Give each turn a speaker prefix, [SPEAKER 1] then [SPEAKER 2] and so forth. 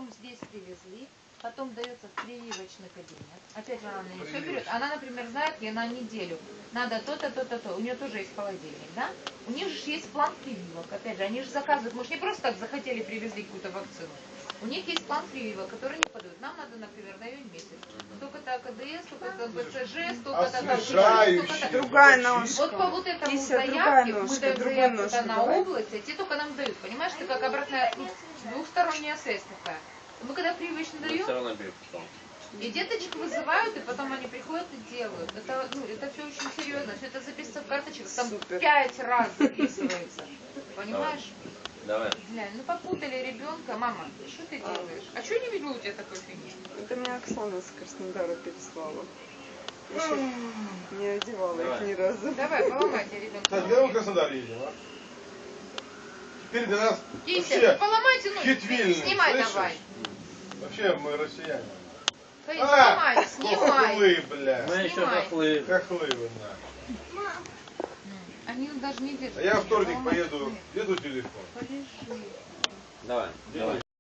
[SPEAKER 1] потом здесь привезли, потом дается в прививочный кабинет. Опять же, она мне все берет. Она, например, знает, ей на неделю надо то-то, то-то, то. У нее тоже есть холодильник, да? У них же есть план прививок. Опять же, они же заказывают. Мы же не просто так захотели, привезли какую-то вакцину. У них есть план прививок, который не подают. Нам надо, например, на июнь месяц. Столько-то КДС, столько-то БЦЖ, столько-то...
[SPEAKER 2] Другая ножка.
[SPEAKER 1] Вот по вот этому
[SPEAKER 2] Кися,
[SPEAKER 1] заявке, мы
[SPEAKER 2] ножка,
[SPEAKER 1] даем
[SPEAKER 2] другую
[SPEAKER 1] заявку
[SPEAKER 2] ножку
[SPEAKER 1] на
[SPEAKER 2] давай.
[SPEAKER 1] область, а те только нам дают. Понимаешь, это как обратная, двухсторонняя связь такая. Мы когда прививочно даем, и деточек вызывают, и потом они приходят и делают. Это, это все очень серьезно. Все это записывается в карточках. Там 5 раз записывается. Понимаешь?
[SPEAKER 3] Давай.
[SPEAKER 1] Глянь, ну попутали ребенка. Мама, что ты делаешь? А что не видела у тебя такой фигни?
[SPEAKER 2] Это меня Оксана с Краснодара переслала. Еще не одевала их ни разу.
[SPEAKER 1] Давай, поломайте ребенка.
[SPEAKER 4] Так, где мы в Краснодар едем, а? Теперь для нас
[SPEAKER 1] Кися, ну
[SPEAKER 4] вообще
[SPEAKER 1] поломайте, ну
[SPEAKER 4] хитвильный,
[SPEAKER 1] снимай
[SPEAKER 4] слышишь?
[SPEAKER 1] давай.
[SPEAKER 4] Вообще мы россияне.
[SPEAKER 1] Снимай, снимай.
[SPEAKER 4] Хохлы, бля.
[SPEAKER 3] Мы еще
[SPEAKER 1] Снимай.
[SPEAKER 3] хохлы.
[SPEAKER 4] Хохлы вы, на.
[SPEAKER 1] Они даже не держат.
[SPEAKER 4] А я во вторник поеду, еду телефон.
[SPEAKER 1] Полежи.
[SPEAKER 3] Давай. Давай.